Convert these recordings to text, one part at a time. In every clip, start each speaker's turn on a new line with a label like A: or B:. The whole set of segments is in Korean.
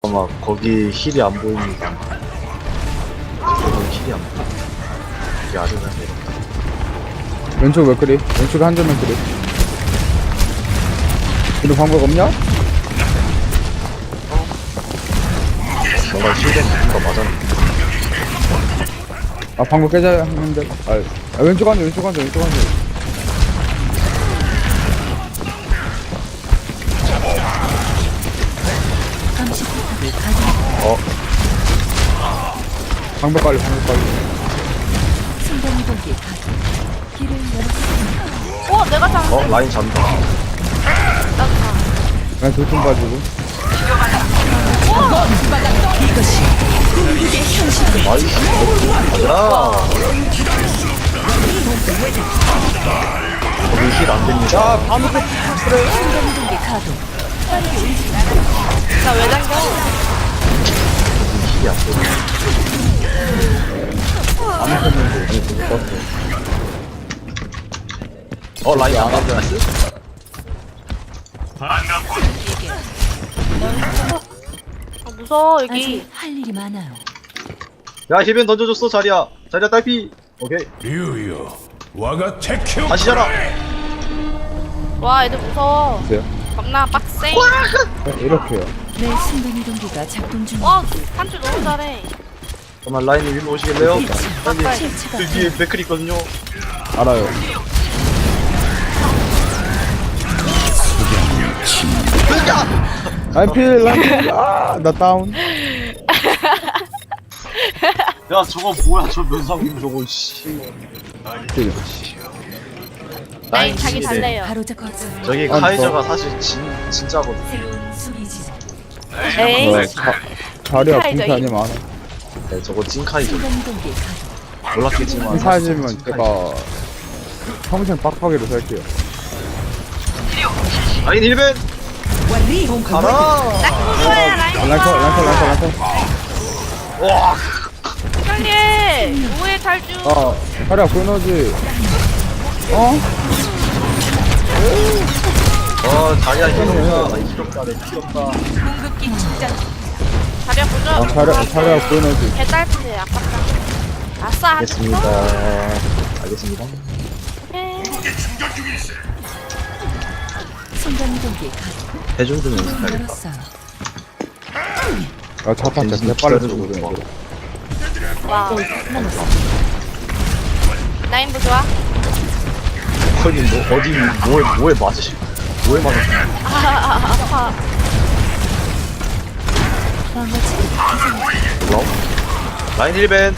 A: 잠깐만 거기 힐이 안 보입니다. 거기 힐이 안 보여. 여기 아래가 내렸다.
B: 왼쪽 맥크리. 왼쪽에 한점 맥크리. 이런 방법 없냐?
A: 뭔가 힐된 거 맞았는데.
B: 아 방법 깨자 했는데. 왼쪽 한점 왼쪽 한점 왼쪽 한점. 방법 빨리 방법 빨리.
C: 내가 잡는
A: 라인 잡는다.
B: 그냥 돌좀 가지고.
A: 나이스. 가자. 거기 힐 안 됩니다.
C: 나왜 당겨?
A: 힐이 안 돼. 라인 안 가면 나이스.
C: 무서워 여기.
D: 아직 할 일이 많아요.
A: 야 힐벤 던져줬어 자리야. 자리야 딸피. 오케이.
E: 류유, 와가 테큐.
A: 다시 자라.
C: 와 애들 무서워.
B: 보세요.
C: 겁나 빡세.
B: 이렇게요.
D: 내 순간이동기가 작동 중.
C: 와 한줄 너무 잘해.
A: 잠깐만 라인이 위로 오시겠네요? 라인이
D: 실체가
A: 그 뒤에 맥클 있거든요.
B: 알아요. 라인필 라인필. 나 다운.
A: 야 저거 뭐야 저 면상님 저거 씨.
B: 킬.
C: 라인 자기 달래요.
D: 바로 잡고
A: 저기
B: 아,
A: 카이저가 사실 진짜거든.
D: 새로운 수비지.
C: 에이.
B: 자리야
C: 카이저
B: 공사 아니면 안 해.
A: 네 저거 찐 카이저.
D: 순간이동기 가동.
A: 몰랐겠지만.
B: 사지면 제가 평생 빡빡이로 살게요.
A: 라인 힐벤. 가라.
C: 딱 그거야 라인.
B: 란커.
A: 와.
C: 형님 뭐해 탈주.
B: 자리야 보너지.
A: 자리야 힐없다. 힐없다. 내 힐없다.
C: 자리야 보죠.
B: 자리야 보너지.
C: 개딸피네 아깝다. 아싸.
A: 알겠습니다. 알겠습니다.
C: 오케이.
D: 순간이동기 가동.
A: 대중 좀 연습해야겠다.
D: 열었어요.
B: 자판 진짜 개빨리 쓰거든.
C: 와. 라인 보 좋아.
A: 거기 뭐 어디 뭐에 맞으시? 뭐에 맞으시?
C: 아파.
A: 뭐라고? 라인 힐벤.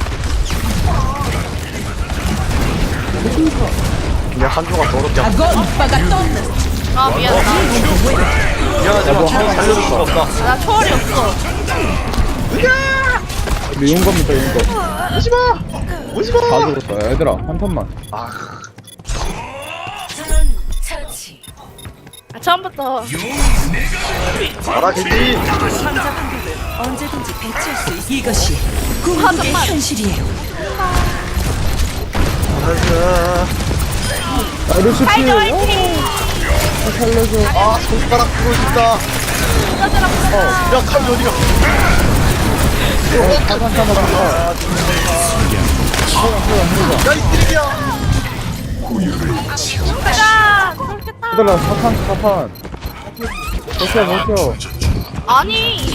A: 그냥 한조가 더럽게
C: 아 미안하다.
A: 미안하지만 살려줄 수가 없다.
C: 나 초월이 없어.
B: 근데 용 겁니다 용 거.
A: 오지마! 오지마!
B: 다 죽었다. 얘들아 한 턴만.
D: 처치.
C: 처음부터.
A: 가라 겐지!
D: 언제든지 배치할 수 있어. 이것이 궁극의 현실이에요.
B: 루시피.
C: 타이거 화이팅!
B: 살려줘.
A: 손가락 부러진다. 야 칼이 어디가? 야 이 쓰레기야!
C: 가자! 그렇겠다.
B: 얘들아 사판. 버텨.
C: 아니.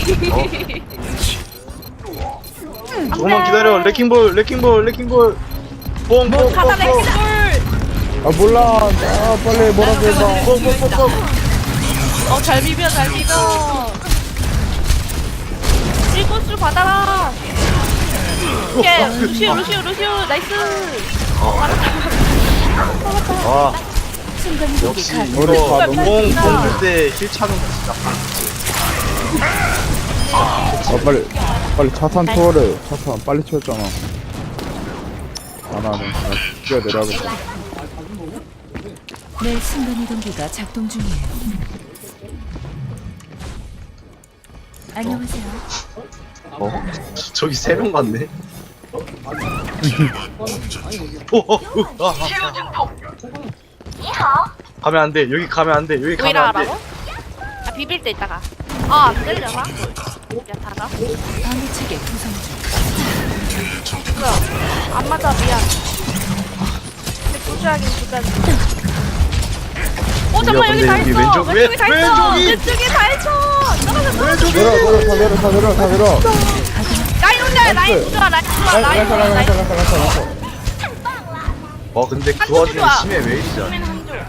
A: 조금만 기다려. 레킹볼. 뽕.
C: 가다 넥스볼.
B: 몰라. 빨리 뭐라고 해봐.
A: 뽕.
C: 잘 비벼. 일꽃을 받아라. 오케이. 루시오. 나이스.
A: 와
D: 순간이동기
A: 역시
D: 가동.
A: 이거
B: 우리 다 너무
A: 뽕 줄 때 힐 차는 거 진짜.
B: 빨리 차탄 투어래. 차탄 빨리 치웠잖아. 안 하네. 뛰어 내려가겠다.
D: 내 순간이동기가 작동 중이에요. 안녕하세요.
A: 저기 3명 같네. 가면 안 돼. 여기 가면 안 돼.
C: 오히려 하라고? 비빌 때 있다가. 안 들려나? 야 다가.
D: 방해체계 구성 중.
C: 뭐야? 안 맞아 미안. 근데 부주하긴 부주하긴. 잠깐만 여기 다
A: 여기
C: 있어.
A: 왼쪽,
C: 왼쪽에 다 있어.
A: 왼쪽이.
C: 왼쪽에 다 있어. 떨어졌어.
B: 내려.
C: 라인 혼자 라인 부주아 라인 부주아 라인 부주아 라인.
A: 근데 그
C: 한쪽
A: 와중에
C: 좋아.
A: 심해 왜 이러지?
C: 힘은 한 줄.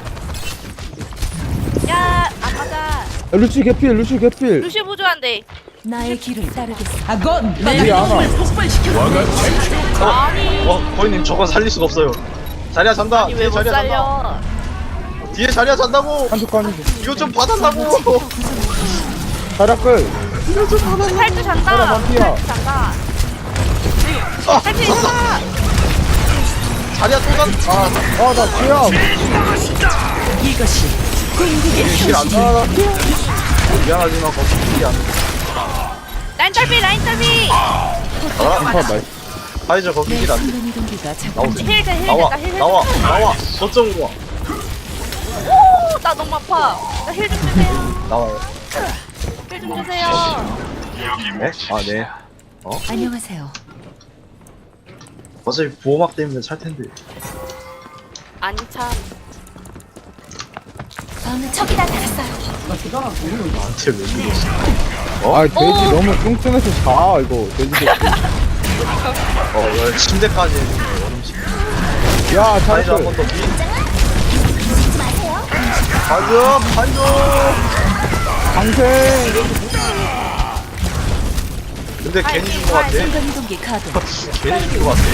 C: 야, 안 맞아.
B: 루시 개필.
C: 루시 부조한데.
D: 나의 길을 따르겠어.
B: 우리 안와.
E: 와가 테큐.
C: 아니.
A: 거인님 저건 살릴 수가 없어요. 자리야 잔다.
C: 아니 왜
A: 뒤에
C: 못
A: 자리야 잔다.
C: 살려?
A: 뒤에 자리야 잔다고.
B: 한쪽 가는 중.
A: 이거 좀 받았다고.
B: 자락글.
C: 팔도 잔다.
B: 따라, 반피야.
C: 팔도 잔다. 할수 있어.
A: 자리야 또 잔.
B: 나 피야.
D: 이것이 궁극의
A: 힐안 나. 미안하지만 거기 힐이 안
C: 라인 탈비 라인 탈비.
B: 인파 나이스.
A: 파이저 거기
D: 내
A: 힐 안 돼.
D: 순간이동기가 작동
A: 나오세요.
D: 중.
C: 힐 돼, 힐
A: 나와
C: 됐다, 힐
A: 나와
C: 됐다.
A: 나와. 거점으로 와.
C: 오, 나 너무 아파. 나 힐 좀 주세요.
A: 나와요.
C: 힐 좀 주세요.
A: 네? 아 네.
D: 안녕하세요.
A: 어차피 보호막 때문에 찰 텐데.
C: 아니 참.
D: 저기다 달았어요.
A: 나한테 왜 이러지?
B: 돼지 너무 뚱뚱해서 자 이거 돼지 새끼.
A: 왜 침대까지 했는데 얼음 침대.
B: 야
A: 파이저 한 번
B: 자락글.
A: 더 미. 파이저.
B: 방생.
A: 근데 괜히 준 거 같아.
D: 순간이동기 가동.
A: 괜히 준 거 같아.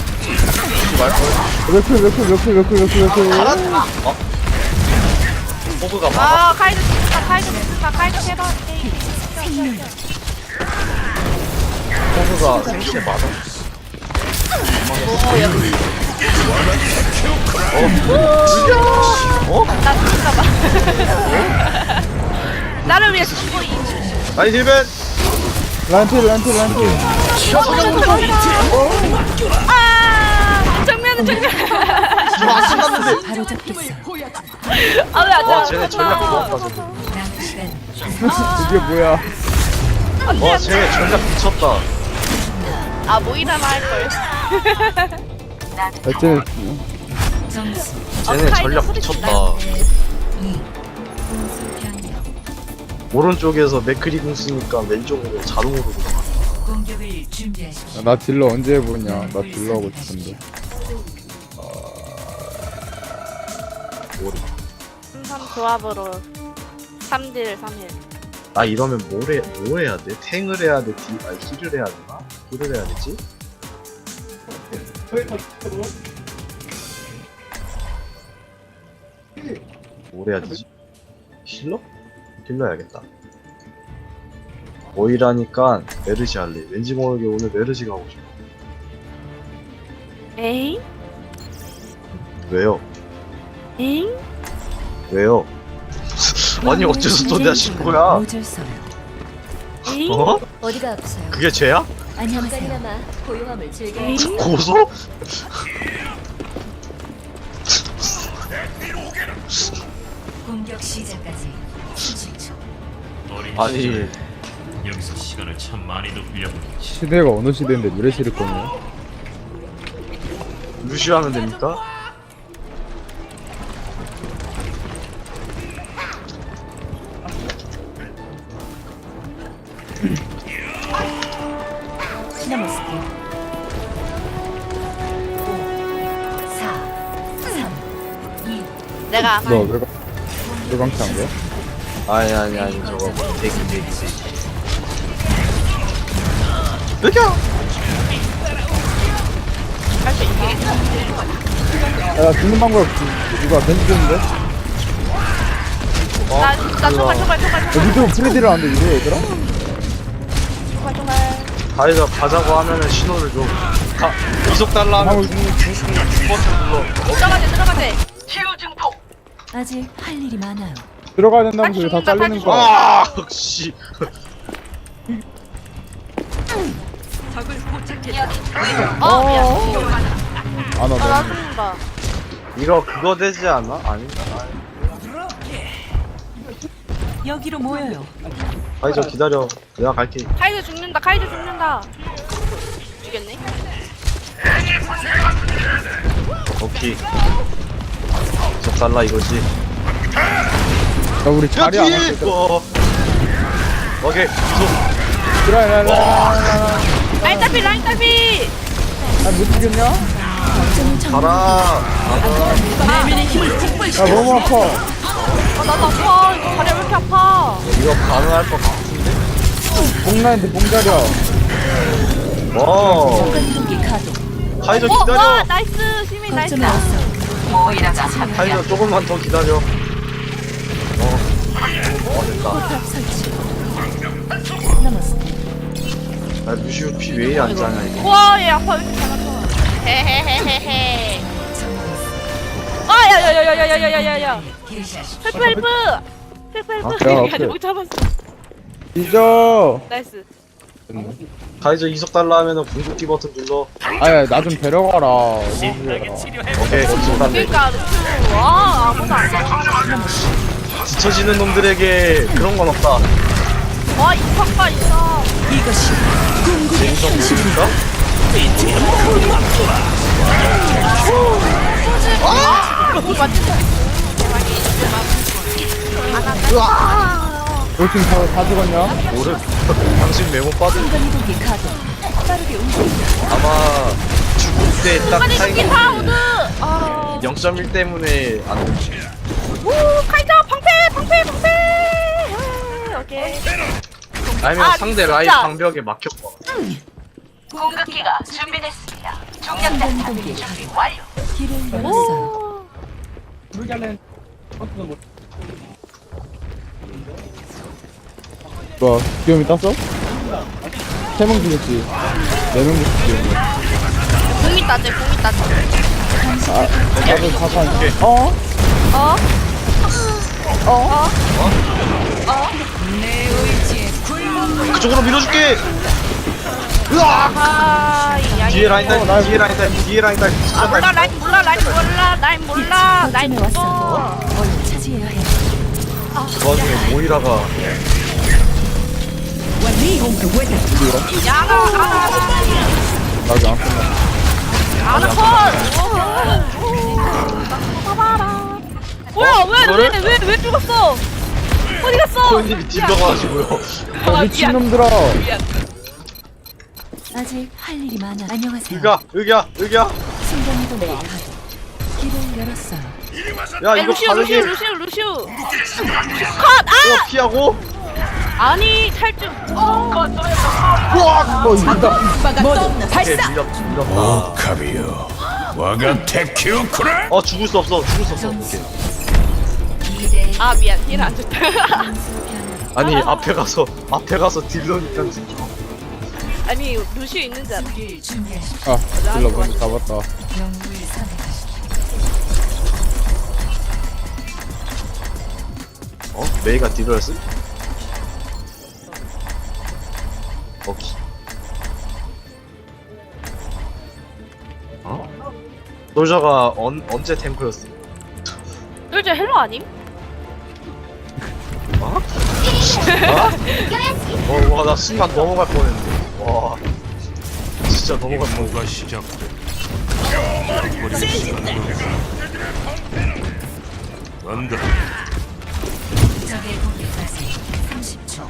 B: 몇킬.
A: 호브가 많아.
C: 아, 카이드 진짜 카이드 진짜 카이드 해봐.
A: 호브가 생신에 많아.
C: 나 진짜 봐. 나를 위해 죽고 이.
A: 아니 힐벤.
B: 란틸.
C: 아, 정면은 정면.
A: 저안 끝났는데.
D: 바로 잡겠어.
C: 아, 왜안
A: 와 쟤네 전략 좋았다 저거.
B: 이게 뭐야?
A: 와 쟤네 전략 미쳤다.
C: 아, 뭐 일하나 할 걸.
B: 어쨌든
D: 점수
A: 쟤네
C: 카이드
A: 전략
C: 소리
A: 미쳤다.
C: 질러요.
D: 2. 공수 변경.
A: 오른쪽에서 맥크리 궁 쓰니까 왼쪽으로 자동으로 들어가.
D: 공격을 준비하십시오.
B: 나 딜러 언제 해보냐? 나 딜러 하고 싶은데.
C: 삼 조합으로 3딜 3일.
A: 나 이러면 뭘 해야 돼? 탱을 해야 돼? 힐을 해야 되나? 힐을 해야 되지? 뭘 해야 되지? 힐러? 힐러 해야겠다. 오이라니까 메르시 할래. 왠지 모르게 오늘 메르시 가고 싶어.
C: 에잉?
A: 왜요?
C: 에잉?
A: 왜요? 아니 어째서 또 내가 신고야?
D: 모질서요.
C: 에잉?
A: 어?
D: 어디가 아프세요?
A: 그게 죄야?
D: 안녕하세요.
F: 고요함을 즐겨.
C: 에잉?
A: 고소?
D: 공격 시작까지 30초.
A: 아니
E: 여기서 시간을 참 많이도 빌려보겠지.
B: 시대가 어느 시대인데 메르시를 꺼냐?
A: 루시하면 됩니까?
D: 시나모스키 5 4 3 2
C: 내가 안
B: 너
C: 할.
B: 외광치 한 거야?
A: 아니 저거 대기 느껴!
C: 할수 있어.
B: 야, 나 죽는 방법 누가 벤치 줬는데?
C: 나 총알.
B: 밑으로 프레디를 하는데 이래 얘들아?
C: 총알.
A: 가이가 가자고 하면은 신호를 줘. 이속 달라 하면
B: 방울
A: 버튼
C: 들어가재.
D: 아직 할 일이 많아요.
B: 들어가야 된다면서 다 잘리는
C: 빨리
B: 거야.
A: 아, 역시.
C: 미안.
B: 아, 나
C: 나
B: 너무.
C: 죽는다.
A: 이거 그거 되지 않아? 아닌가?
D: 여기로 모여요.
A: 가이저 기다려. 내가 갈게.
C: 카이드 죽는다. 카이드 죽는다. 죽였네.
A: 오케이. 저 달라 이거지.
B: 야 우리 자리 안 왔을 때
A: 오케이. 이속.
C: 라인 딸피 라인 딸피.
B: 아못 죽였냐?
A: 가라.
B: 야 너무 아파.
C: 나도 아파. 이거 다리 왜 이렇게 아파?
A: 이거 가능할 것 같은데?
B: 봉라인데 봉자려.
A: 와.
D: 순간이동기 가동.
A: 카이저
C: 와
A: 기다려.
C: 나이스. 시민 나이스.
D: 거점에 왔어.
A: 카이저 조금만 더 기다려. 됐다.
D: 포탑 설치. 남았습니다.
A: 아, 루시우 피 왜 이리 안 자냐 이거.
C: 우와 얘 아파. 왜 이렇게 잘 아파. 헤헤헤헤헤. 아 야야야야야야야야야. 헬프 헬프. 헬프 헬프.
B: 아, 야,
C: 아직 못 잡았어.
B: 잊어.
C: 나이스.
A: 카이저 이속 달라 하면은 궁극기 버튼 눌러.
B: 아야 나 좀 데려가라.
E: 신나게 치료해.
A: 오케이. 이속 달래.
C: 그러니까 루트. 와 아무도 안 와.
A: 뒤처지는 놈들에게 그런 건 없다.
C: 와 이성과 있어.
A: 인성 모르니까?
B: 너팀 다 죽었냐?
A: 모르. 당신 메모 빠진
D: 순간이동기 가동. 빠르게 움직인다.
A: 아마 죽을 때 딱
C: 아니
A: 타이밍
C: 기타 우드. 아.
A: 0.1 때문에 안 되지.
C: 오 카이저 방패. 오케이.
A: 아니면
C: 아,
A: 상대 라인
C: 진짜.
A: 방벽에 막혔다.
D: 공격기가 준비됐습니다. 순간이동기 가동. 길을 열었어요.
B: 뭐야 귀염이 땄어? 3명 죽였지. 4명 죽였지.
C: 공 있다 쟤. 공 있다 쟤.
B: 나도 사판. 어?
C: 어?
A: 그쪽으로 밀어줄게.
C: 아,
A: 뒤에 라인 딸, 뒤에 라인 딸, 뒤에 라인 딸.
C: 아 몰라 라인 몰라
D: 거점에 왔어. 얼른 차지해야 해.
A: 그 와중에 모이라가
B: 나도 안 끝나.
C: 아나 컷. 뭐야 왜 죽었어? 어디 갔어?
A: 코인님이 딜러가지고요.
C: 아,
B: 미친놈들아.
D: 아직 할 일이 많아. 안녕하세요.
A: 여기야.
D: 순간이동기 가동. 길을 열었어요.
A: 야 이거
C: 루시우
A: 가능해.
C: 루시우 컷!
A: 이거 피하고.
C: 아니 탈주
B: 이긴다.
A: 오케이 밀렸다.
E: 카비요. 와가 테큐 쿠라.
A: 죽을 수 없어. 오케이.
D: 2대
C: 아 미안 힐 안 좋다
A: 아니 앞에 가서 딜러니까 지금.
C: 아니 루시우 있는 줄 알아
D: 준비하십시오.
B: 아 일로 먼저 잡았다.
D: 영웅을 선택하십시오.
A: 메이가 딜러였어? 오케이. 솔저가 언제 탱크였어?
C: 솔저 헬로 아님?
A: 와, 나 순간 넘어갈 뻔했는데. 와, 진짜 넘어갈 뻔.
E: 임무가 시작돼. 간다.
D: 적의 공격까지 30초.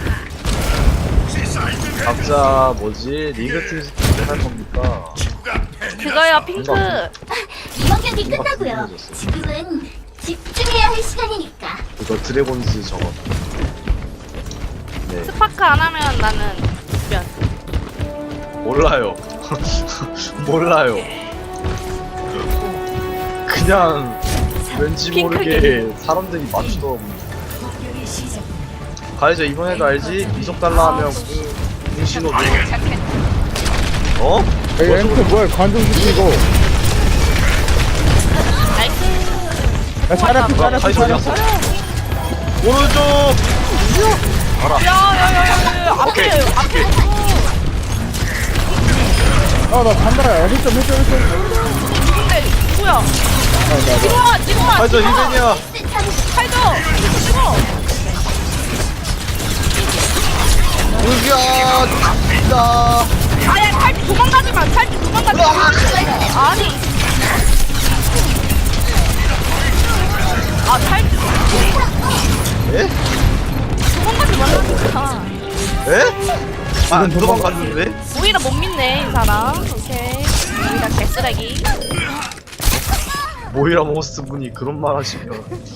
A: 각자 뭐지? 리그팀 할 겁니까?
C: 그거요 핑크
F: 이번 경기 끝나고요. 지금은 집중해야 할 시간이니까.
A: 이거 드래곤즈 저거. 네,
C: 스파크 안 하면 나는 면
A: 몰라요. 몰라요. 그냥 왠지 모르게 사람들이 맞추더라고.
D: 공격이 시작됩니다.
A: 가이저 이번에도 알지? 이속 달라 하면 궁신호 줘. 어?
B: 야 엠트 뭐야 관중시키 이거.
C: 나이스
B: 야 잘했어
A: 가이저 어디 갔어? 오른쪽!
C: 야야야야
A: 오케이,
C: 앞에
A: 오케이.
B: 아나 간다. 야 1점.
C: 근데 누구야 지금아
A: 가이저 힐벤이야.
C: 칼죠 지금
A: 루시아 진짜.
C: 아야 탈주 도망가지 마. 탈주 도망가지 마. 아니. 아 탈주
A: 에?
C: 도망가지 말라니까.
A: 에? 안 도망갔는데?
C: 오히려 못 믿네 이 사람. 오케이. 오히려 개쓰레기.
A: 모이라 모스 분이 그런 말 하시면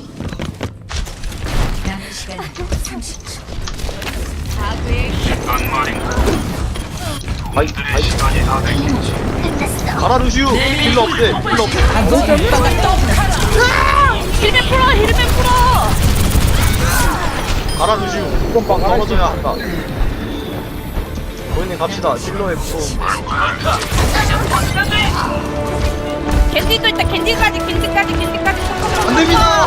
D: 남은 시간 30초.
A: 아이 가라 루시우 힐러 없대 힐러 없대
C: 힐맨 풀어 힐맨 풀어.
A: 가라 루시우
B: 이건 봐, 가라,
A: 떨어져야 한다 고객님 갑시다 힐러의 무서움
C: 겐지도 있다. 겐지까지.
A: 안됩니다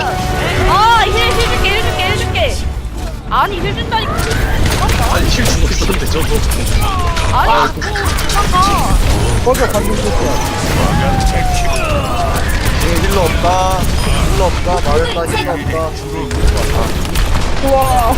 C: 힐 줄게. 아니 힐 준다니까.
A: 아니 힐 주고 있었는데 저도
C: 아니 잠깐만.
B: 꺼져 관중 소스야.
A: 힐러 없다 말했다 힐러 없다
B: 우와.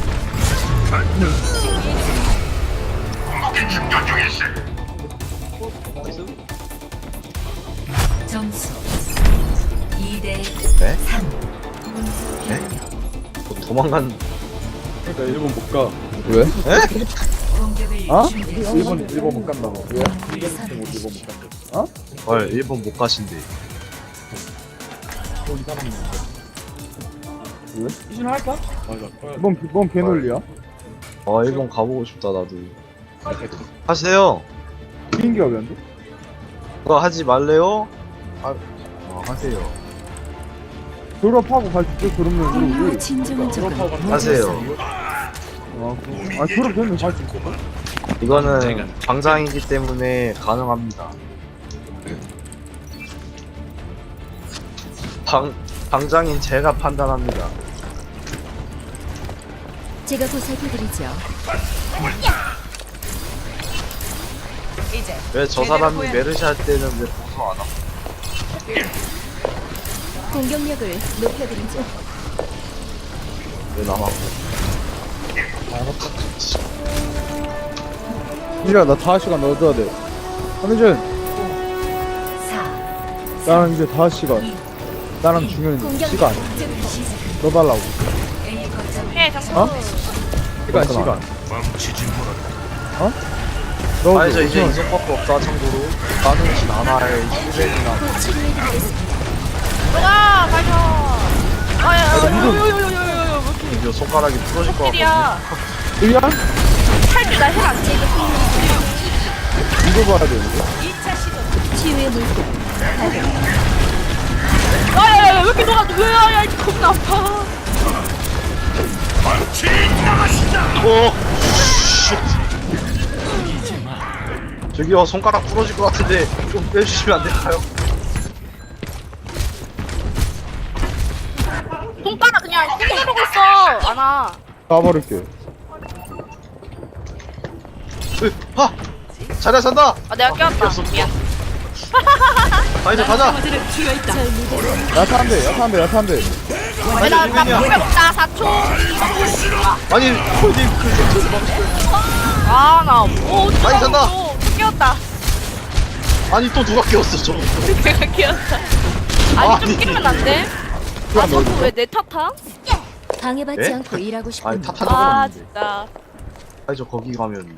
D: 점수 2대
A: 네?
D: 3.
A: 네? 도망간
B: 그러니까 일본 못 가. 왜?
A: 에?
D: 공격을
B: 어?
D: 준비하십시오.
B: 일본 못 간다고. 왜? 일본 못 간다. 어?
A: 헐 일본 못 가신대
B: 왜? 이신할까? 뭔 개놀리야?
A: 아 일본 가보고 싶다 나도 하세요
B: 비행기가 왜 안 돼?
A: 그거 하지 말래요? 하세요
B: 졸업하고 갈 수 있어? 그러면 우리
D: 진정한
B: 졸업하고
A: 하세요
B: 아 졸업 되면 갈 수 있을까?
A: 이거는 방장이기 때문에 가능합니다 방장인 제가 판단합니다
F: 제가 보살펴드리죠.
A: 왜 저 사람이 메르시 할 때는 왜 보소 안 하고
F: 공격력을 높여드리죠.
A: 왜 나만
B: 이리야 나 5시간 넣어줘야 돼. 한민준
D: 4.
B: 나는 이제 5시간 나랑 중요한 시간 넣어달라고.
D: A 거점
C: 해 정수.
B: 어? 시간
E: 멈추지 못해.
B: 어? 넣어줘.
A: 아니 저 이제
B: 우선.
A: 이성밖에 없다 참고로 가능신 안할 힐벤이나
F: 곧 치료해드리겠습니다.
C: 들어가 가자. 아야야야야야야야야.
A: 이거 손가락이 부러질 것 같거든요
C: 일이야.
B: 이리야?
C: 탈주 나 힐 안 돼.
B: 이거 봐야 되는데.
F: 치유의 물고
C: 야야야 왜 이렇게 녹아? 왜야 겁나 아파.
A: 오! 저기요 손가락 부러질 것 같은데 좀 빼주시면 안 될까요?
C: 손가락 그냥 꾹 누르고 있어. 안아.
B: 가버릴게.
A: 하! 잘해 산다!
C: 아 내가 껴왔다. 미안.
A: 가이자 가자!
B: 야타한대.
C: 나 물배 먹자 4초.
A: 아니 홀딩 그
C: 아나 오.
A: 많이 산다.
C: 끼웠다.
A: 아니 또 누가 끼웠어 저거
C: 내가 끼웠다. 아니 좀
A: 아니.
C: 끼면 안 돼? 아 저거 왜 내 탓하?
F: 방해받지
A: 예?
F: 않고 일하고
A: 아니
F: 싶은
A: 탓한
C: 아
A: 적은 없는데
C: 진짜.
A: 아니 저 거기 가면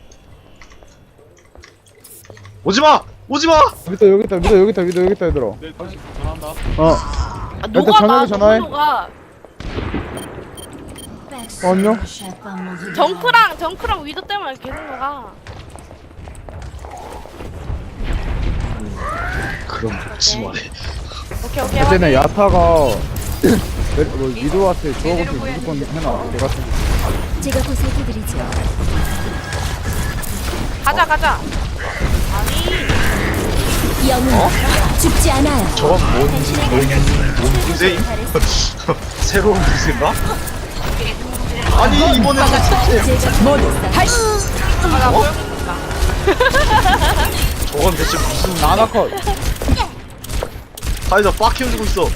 A: 오지마! 오지마!
B: 여기 있다 얘들아. 어.
C: 아 녹아 나
B: 저녁에 전화해.
C: 너무 녹아.
B: 안녕.
C: 정크랑 위도 때문에 계속 녹아.
A: 그럼 먹지 마래
C: 오케이
B: 그때는
C: 확인.
B: 야타가 뭐 미도한테 주워고서 무조건 해놔. 걔 같은 거.
F: 제가 보살펴드리죠.
C: 가자. 아니
F: 영웅 죽지 않아요.
A: 저건 뭔 무쇠임? 새로운 무쇠인가? 아니 이번에는 진짜
C: 나 보여준다.
A: 저건 대체 무슨
B: 아나컷.
A: 아니 저빡 키워주고 있어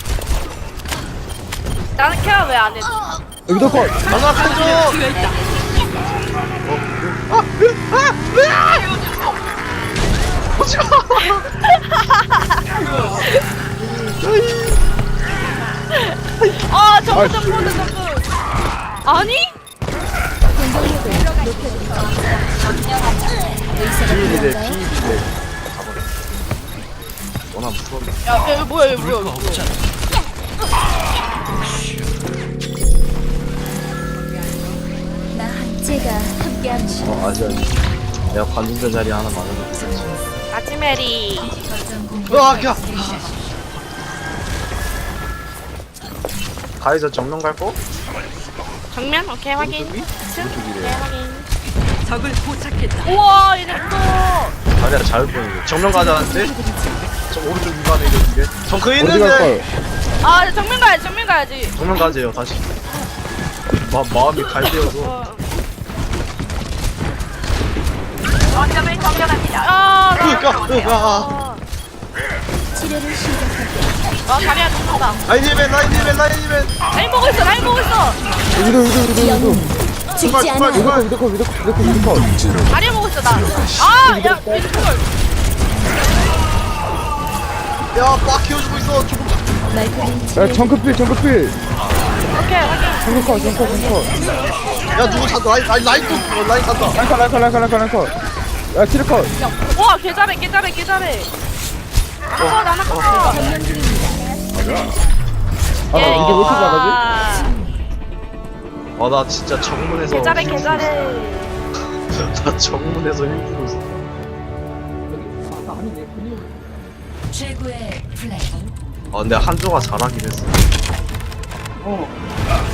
C: 나는 케어 왜 안 해?
B: 여기도 컷.
A: 아나 켜줘!
C: 아 점프 점프 점프. 아니?
F: 공격력을 높여드리죠. 의사가
A: 피일이래
F: 필요한가요?
A: 피일이래. 가버려. 워낙 무서운데.
C: 야, 야 뭐야 이거 뭐야?
F: 제가 함께합니다.
A: 아직 내가 관중자 자리 하나 마련해.
C: 아치메리.
D: 거점 공격.
A: 으악, 야! 가이저 정면 갈 거?
C: 정면 오케이 확인.
A: 오른쪽이래.
C: 네 확인.
D: 적을 포착했다.
C: 우와 얘네 또.
A: 다리야 잘 보이는데. 정면 가자는데? 저 오른쪽 위반에 있는데. 정크
B: 어디 갈
A: 있는데.
B: 걸?
C: 아 정면 가야지 정면 가야지.
A: 정면 가세요 다시. 마음이 갈대어서.
C: 원점을 점령합니다. 아
A: 으아.
F: 치료를 시작할게요.
C: 다리야 죽는다.
A: 라인이맨.
C: 라인 보고 있어 라인 보고 있어.
F: 영웅 죽지
A: 정말,
F: 않아요.
A: 정말.
B: 위도컷.
C: 다리 보고 있어 나. 아야 왼쪽을.
A: 야빡 키워주고 있어. 조금.
F: 말끔히
B: 야
F: 치료해.
B: 정크필
C: 오케이 확인.
B: 정크컷.
A: 야 누구 찾아? 라인 또 라인 찾아.
B: 랑컷. 야 치르컷.
C: 와 개잘해 개잘해. 나나 컷.
B: 아 이게 왜 이렇게 잘하지?
A: 나 진짜 정문에서.
C: 개잘해.
A: 나 정문에서 힘주고 있어.
D: 최고의 플레이.
A: 근데 한조가 잘하긴 했어.